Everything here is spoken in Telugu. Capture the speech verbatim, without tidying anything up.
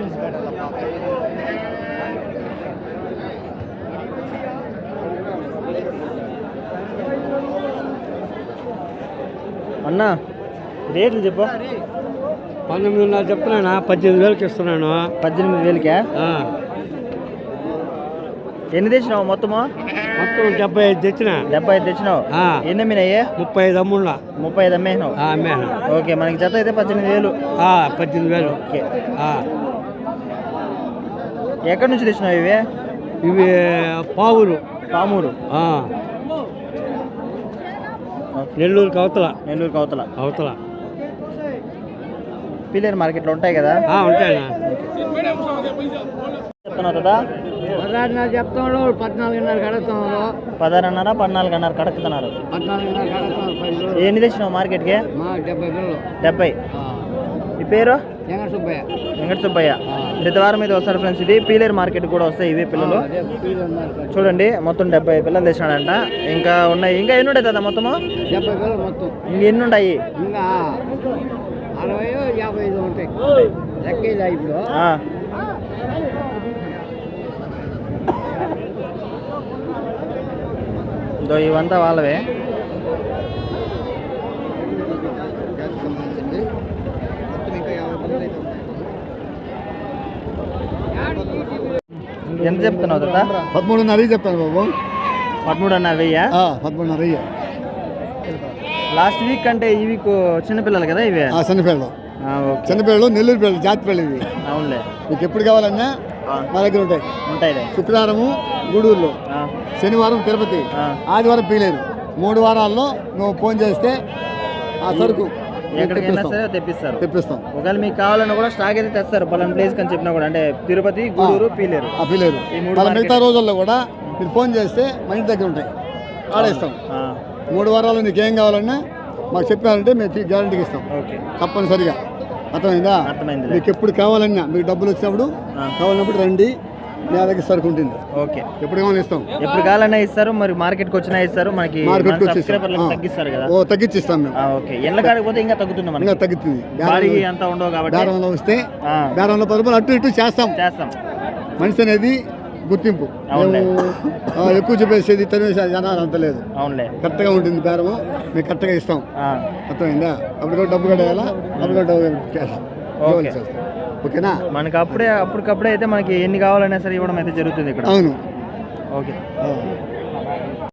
అన్నా రేట్లు చెప్పు. పంతొమ్మిదిన్నర చెప్తున్నానా, పద్దెనిమిది వేలకి ఇస్తున్నాను. పద్దెనిమిది వేలకా? ఎన్ని తెచ్చినావు మొత్తము? మొత్తం డెబ్బై ఐదు తెచ్చిన. డెబ్బై ఐదు తెచ్చినావు. ఎన్ని అమ్మినాయి? ముప్పై ఐదు అమ్మున్నా. ముప్పై ఐదు అమ్మేసినావు? అమ్మేనా. ఓకే, మనకి జత అయితే పద్దెనిమిది వేలు. పద్దెనిమిది వేలు. ఓకే, ఎక్కడి నుంచి తెచ్చినావు ఇవి? ఇవి పావురు. పామూరు. నెల్లూరు అవతల. నెల్లూరు అవతల. అవతల పీలేరు మార్కెట్లో ఉంటాయి కదా? ఉంటాయి. చెప్తున్నావు కదా? పదహారున్నర చెప్తున్నాడు, పద్నాలుగున్నర కడుతున్నారు. పదహారున్నర పద్నాలుగున్నర కడుతున్నారు. పద్నాలుగున్నర కడుతున్నారు. ఎన్ని తెచ్చినావు మార్కెట్కి? డెబ్బై వేలు. డెబ్బై. ఈ పేరు? వెంకట సుబ్బయ్య. వెంకట సుబ్బయ్య. ప్రతి వారం మీద వస్తారు ఫ్రెండ్స్. ఇది పీలేరు మార్కెట్ కూడా వస్తాయి ఇవి పిల్లలు. చూడండి, మొత్తం డెబ్బై పిల్లలు తెచ్చినాడంట. ఇంకా ఉన్నాయి. ఇంకా ఎన్ని ఉంటాయి కదా మొత్తము? డెబ్బై పిల్లలు మొత్తం. ఇంక ఎన్ని ఉంటాయి? ఇంకా అరవై యాభై ఐదు ఉంటాయి. లెక్క ఇప్పుడు ఇవంతా వాళ్ళవే. ఎంత చెప్తున్నావు కదా? పదమూడున్నర చెప్తాను బాబు. పదమూడున్నర వెయ్యి. పదమూడున్నర లాస్ట్ వీక్ అంటే ఈ వీక్ చిన్నపిల్లలు కదా ఇవి? చిన్నపిల్లలు. చిన్నపిల్లలు నెల్లూరు పిల్లలు, జాతి పిల్లలు. అవునులే. మీకు ఎప్పుడు కావాలన్నా మా దగ్గర ఉంటాయి. ఉంటాయి. శుక్రవారము గూడూరులో, శనివారం తిరుపతి, ఆదివారం పీలేరు. మూడు వారాల్లో నువ్వు ఫోన్ చేస్తే ఆ సరుకు ఎక్కడికైనా సరే తెప్పిస్తారు. తెప్పిస్తాం. ఒకవేళ మీకు కావాలన్నా కూడా స్టాక్ అయితే తెస్తారు. పలానా ప్లేస్ అని చెప్పినా కూడా, అంటే తిరుపతి, గూడూరు, పీలేరు. పీలేరు మిగతా రోజుల్లో కూడా మీరు ఫోన్ చేస్తే మా ఇంటి దగ్గర ఉంటాయి, ఆడేస్తాం. మూడు వారాలు నీకు ఏం కావాలన్నా మాకు చెప్పారంటే మేము గ్యారంటీకి ఇస్తాం తప్పనిసరిగా. అర్థమైందా? అర్థమైంది. మీకు ఎప్పుడు కావాలన్నా, మీకు డబ్బులు వచ్చినప్పుడు కావాలన్నప్పుడు రండి, మీ దగ్గర సరుకు ఉంటుంది. ఓకే, ఎప్పుడు కావాలని ఇస్తాం. ఎప్పుడు కావాలన్నా ఇస్తారు. మరి మార్కెట్కి వచ్చినా ఇస్తారు. మనకి తగ్గిస్తారు కదా? ఓ తగ్గించి ఇస్తాం మేము. ఓకే, ఎల్ల కాడిపోతే ఇంకా తగ్గుతుంది. మనకి ఇంకా తగ్గుతుంది. అంతా ఉండవు కాబట్టి బేరంలో వస్తే బేరంలో పది రూపాయలు అటు ఇటు చేస్తాం చేస్తాం మనిషి అనేది గుర్తింపు. ఎక్కువ చెప్పేసేది తనేసి జనాలు అంత లేదు. అవునులే, కరెక్ట్గా ఉంటుంది బేరము. మేము కరెక్ట్గా ఇస్తాం. అర్థమైందా? అప్పుడు కూడా డబ్బు కట్టేయాలా, అప్పుడు కూడా డబ్బు క్యాష్. ఓకేనా? మనకి అప్పుడే అప్పటికప్పుడే అయితే మనకి ఎన్ని కావాలన్నా సరే ఇవ్వడం అయితే జరుగుతుంది ఇక్కడ. అవును. ఓకే.